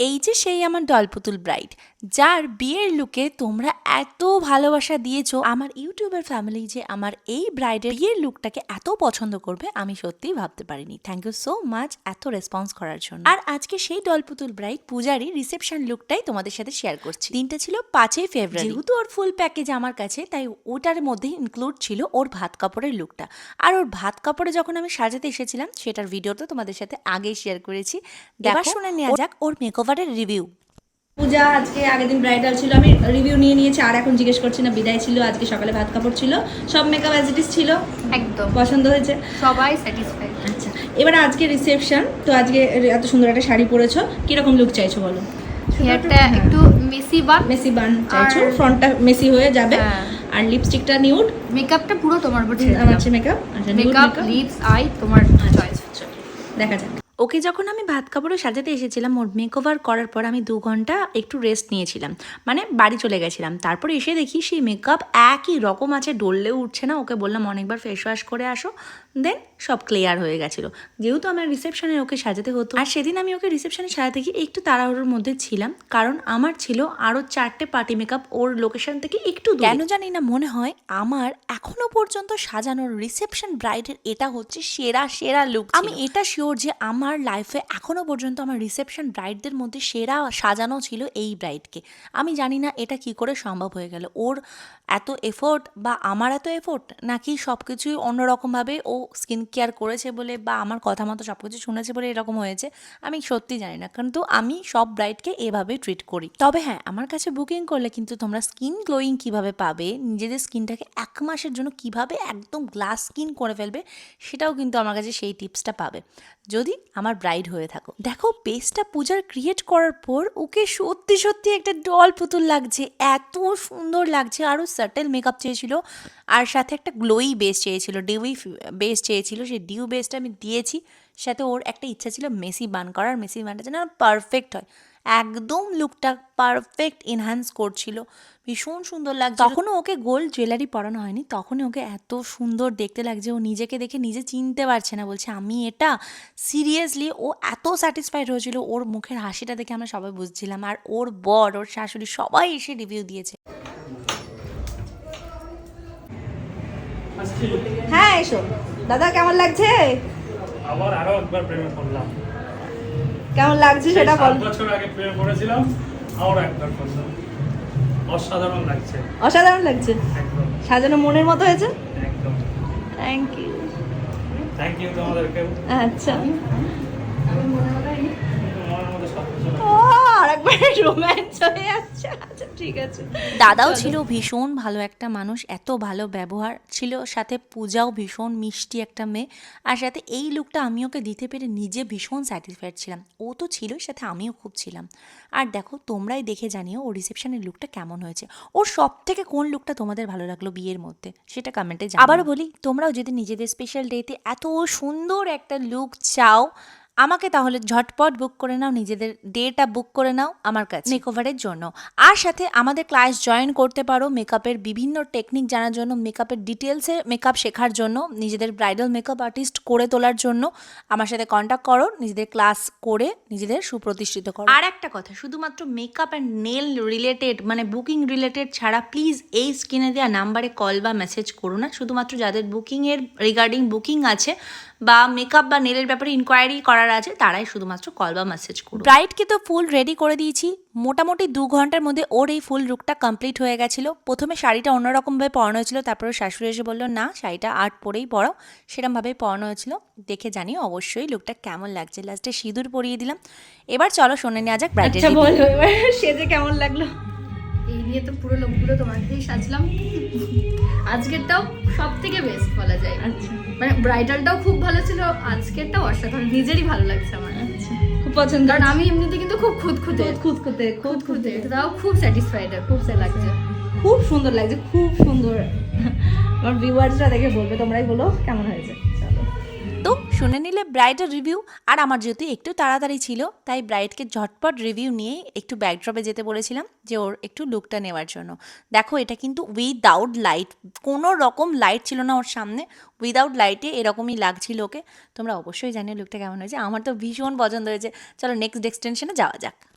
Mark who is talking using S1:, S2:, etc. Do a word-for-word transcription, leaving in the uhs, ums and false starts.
S1: এই যে সেই আমার দলপুতুল ব্রাইড, যার বিয়ের লুকে তোমরা এত ভালোবাসা দিয়েছো। আমার ইউটিউবের ফ্যামিলি যে আমার এই ব্রাইডের বিয়ের লুকটাকে এত পছন্দ করবে আমি সত্যিই ভাবতে পারিনি। থ্যাংক ইউ সো মাচ এত রেসপন্স করার জন্য। আর আজকে সেই দলপুতুল ব্রাইড পূজারি রিসেপশন লুকটাই তোমাদের সাথে শেয়ার করছি। দিনটা ছিল পাঁচই ফেব্রুয়ারি। যেহেতু ওর ফুল প্যাকেজ আমার কাছে, তাই ওটার মধ্যে ইনক্লুড ছিল ওর ভাত কাপড়ের লুকটা। আর ওর ভাত কাপড়ে যখন আমি সাজাতে এসেছিলাম সেটার ভিডিও তো তোমাদের সাথে আগেই শেয়ার করেছি। এবার শুনে নেওয়া যাক ওর মেকওভারের রিভিউ।
S2: পূজা আজকে আগের দিন ব্রাইডাল ছিল, আমি রিভিউ নিয়ে নিয়েছি আর এখন জিজ্ঞেস করছি না। বিদায় ছিল, আজকে সকালে ভাত কাপড় ছিল, সব মেকআপ অ্যাজ ইট ইজ ছিল,
S3: একদম
S2: পছন্দ হয়েছে,
S3: সবাই স্যাটিসফাইড।
S2: আচ্ছা এবার আজকে রিসেপশন, তো আজকে এত সুন্দর একটা শাড়ি পরেছো, কিরকম লুক চাইছো বলো?
S3: হেয়ারটা একটু মেসি বান
S2: মেসি বান চাইছো,
S3: আর-
S2: ফ্রন্টটা মেসি হয়ে যাবে,
S3: হ্যাঁ।
S2: আর লিপস্টিকটা নিউড,
S3: মেকআপটা পুরো তোমার উপর ছেড়ে
S2: আমার
S3: দিলাম।
S2: মেকআপ, আচ্ছা nude
S3: makeup
S2: makeup,
S3: lips eye তোমার চয়েস।
S2: দেখা যাক।
S1: ওকে যখন আমি ভাত কাপড়ে সাজাতে এসেছিলাম, ওর মেকওভার করার পর আমি দু ঘন্টা একটু রেস্ট নিয়েছিলাম, মানে বাড়ি চলে গেছিলাম। তারপর এসে দেখি সেই মেকআপ একই রকম আছে, ডললেও উঠছে না। ওকে বললাম অনেকবার ফেস ওয়াশ করে আসো, দেন সব ক্লিয়ার হয়ে গেছিলো। যেহেতু আমার রিসেপশনে ওকে সাজাতে হতো, আর সেদিন আমি ওকে রিসেপশনে সাজাতে গিয়ে একটু তাড়াহুড়োর মধ্যে ছিলাম, কারণ আমার ছিল আরও চারটে পার্টি মেকআপ ওর লোকেশন থেকে একটু দূরে। কেন জানি না মনে হয় আমার এখনো পর্যন্ত সাজানোর রিসেপশন ব্রাইডের এটা হচ্ছে সেরা সেরা লুক। আমি এটা শিওর যে আমার লাইফে এখনো পর্যন্ত আমার রিসেপশন ব্রাইডদের মধ্যে সেরা সাজানো ছিল এই ব্রাইডকে। আমি জানি না এটা কি করে সম্ভব হয়ে গেল। ওর এত এফোর্ট বা আমার এত এফোর্ট, নাকি সব কিছুই অন্যরকমভাবে ও স্কিন কেয়ার করেছে বলে বা আমার কথা মতো সব কিছু শুনেছে বলে এরকম হয়েছে, আমি সত্যি জানি না। কিন্তু আমি সব ব্রাইডকে এভাবে ট্রিট করি। তবে হ্যাঁ, আমার কাছে বুকিং করলে কিন্তু তোমরা স্কিন গ্লোয়িং কিভাবে পাবে, নিজেদের স্কিনটাকে এক মাসের জন্য কিভাবে একদম গ্লাস স্কিন করে ফেলবে, সেটাও কিন্তু আমার কাছে সেই টিপসটা পাবে যদি আমার ব্রাইড হয়ে থাকো। দেখো বেসটা পূজার ক্রিয়েট করার পর ওকে সত্যি সত্যি একটা ডল পুতুল লাগছে, এত সুন্দর লাগছে। আরও সাটেল মেকআপ চেয়েছিল, আর সাথে একটা গ্লোই বেস চেয়েছিল, ডিউই বেস চেয়েছিল। সেই ডিউ বেসটা আমি দিয়েছি, সাথে ওর একটা ইচ্ছা ছিল মেসি বান করার। মেসি বানটা যেন পারফেক্ট হয়, একদম লুকটা পারফেক্ট এনহ্যান্স করছিল, ভীষণ সুন্দর লাগছে। তখনও ওকে গোল্ড জুয়েলারি পরানো হয়নি, তখনই ওকে এত সুন্দর দেখতে লাগছে। ও নিজেকে দেখে নিজে চিনতে পারছে না, বলছে আমি এটা। সিরিয়াসলি ও এত স্যাটিসফাইড হয়েছিল, ওর মুখের হাসিটা দেখে আমরা সবাই বুঝছিলাম। আর ওর বর, ওর শাশুড়ি সবাই এসে রিভিউ দিয়েছে।
S2: হ্যাঁ এসো দাদা, কেমন লাগছে?
S4: আবার আরো একবার প্রেমে পড়লাম।
S2: কেমন লাগছে সেটা বল।
S4: সাত বছর আগে প্রেমে পড়েছিলাম, আরো একবার পড়লাম। অসাধারণ লাগছে,
S2: অসাধারণ লাগছে,
S4: একদম
S2: সাজানো মনের মতো হয়েছে।
S4: একদম।
S2: Thank you.
S4: থ্যাংক ইউ তোমাদেরকে।
S2: আচ্ছা
S4: তোমার মধ্যে সব কিছু
S2: ও আরেকবার রোম্যান্স হয়ে যাচ্ছে। আচ্ছা ঠিক আছে।
S1: দাদাও ছিল ভীষণ ভালো একটা মানুষ, এত ভালো ব্যবহার ছিল, সাথে পূজাও ভীষণ মিষ্টি একটা মেয়ে। আর সাথে এই লুকটা আমি ওকে দিতে পেরে নিজে ভীষণ স্যাটিসফাইড ছিলাম। ও তো ছিলই, সাথে আমিও খুব ছিলাম। আর দেখো তোমরাই দেখে জানিও ও রিসেপশনের লুকটা কেমন হয়েছে। ওর সব থেকে কোন লুকটা তোমাদের ভালো লাগলো বিয়ের মধ্যে, সেটা কমেন্টে জানাও। আবারও বলি, তোমরাও যদি নিজেদের স্পেশাল ডেতে এত সুন্দর একটা লুক চাও, আমাকে তাহলে ঝটপট বুক করে নাও, নিজেদের ডেটা বুক করে নাও আমার কাছে মেকওভারের জন্য। আর সাথে আমাদের ক্লাস জয়েন করতে পারো মেকআপের বিভিন্ন টেকনিক জানার জন্য, মেকআপের ডিটেলসে মেকআপ শেখার জন্য, নিজেদের ব্রাইডাল মেকআপ আর্টিস্ট করে তোলার জন্য আমার সাথে কন্ট্যাক্ট করো, নিজেদের ক্লাস করে নিজেদের সুপ্রতিষ্ঠিত করো। আর একটা কথা, শুধুমাত্র মেকআপ অ্যান্ড নেল রিলেটেড, মানে বুকিং রিলেটেড ছাড়া প্লিজ এই স্ক্রিনে দেওয়া নাম্বারে কল বা মেসেজ করো না। শুধুমাত্র যাদের বুকিংয়ের রিগার্ডিং বুকিং আছে বা মেকআপ বা নেলের ব্যাপারে ইনকোয়ারি করার আছে, তারাই শুধুমাত্র কল বা মেসেজ করো। ব্রাইডকে তো ফুল রেডি করে দিয়েছি, মোটামুটি দু ঘন্টার মধ্যে ওর এই ফুল লুকটা কমপ্লিট হয়ে গেছিলো। প্রথমে শাড়িটা অন্যরকমভাবে পরানো হয়েছিল, তারপরে শাশুড়ি এসে বললো না শাড়িটা আর্ট পরেই পরাও, সেরকমভাবেই পরানো হয়েছিল। দেখে জানিও অবশ্যই লুকটা কেমন লাগছে। লাস্টে সিঁদুর পরিয়ে দিলাম। এবার চলো শুনে নেওয়া যাক ব্রাইডের
S2: আচ্ছা
S1: রিভিউ।
S2: বলো এবার সেজে কেমন লাগলো?
S3: এই নিয়ে তো পুরো লোকগুলো তোমার কাছেই সাজলাম। আজকেরটাও সব থেকে বেস্ট বলা যায়।
S2: আচ্ছা
S3: মানে ব্রাইডালটাও খুব ভালো ছিল, আজকেরটাও অসাধারণ, নিজেরই ভালো লাগছে আমার।
S2: আচ্ছা খুব পছন্দ।
S3: কারণ আমি এমনিতে কিন্তু খুব খুঁতখুঁতে
S2: খুঁতখুঁতে খুব
S3: খুঁতখুঁতে, তাও খুব স্যাটিসফাইড আর খুব সে লাগছে।
S2: খুব সুন্দর লাগছে, খুব সুন্দর। আমার ভিউয়ার্সরা দেখে বলবে, তোমরাই বলো কেমন হয়েছে। চলো
S1: তো শুনে নিলে ব্রাইডের রিভিউ। আর আমার যেহেতু একটু তাড়াতাড়ি ছিল, তাই ব্রাইডকে ঝটপট রিভিউ নিয়ে একটু ব্যাকড্রপে যেতে বলেছিলাম যে ওর একটু লুকটা নেওয়ার জন্য। দেখো এটা কিন্তু উইদাউট লাইট, কোনো রকম লাইট ছিল না ওর সামনে, উইদাউট লাইটে এরকমই লাগছিল ওকে। তোমরা অবশ্যই জানিও লুকটা কেমন হয়েছে। আমার তো ভীষণ পছন্দ হয়েছে। চলো নেক্সট এক্সটেনশনে যাওয়া যাক।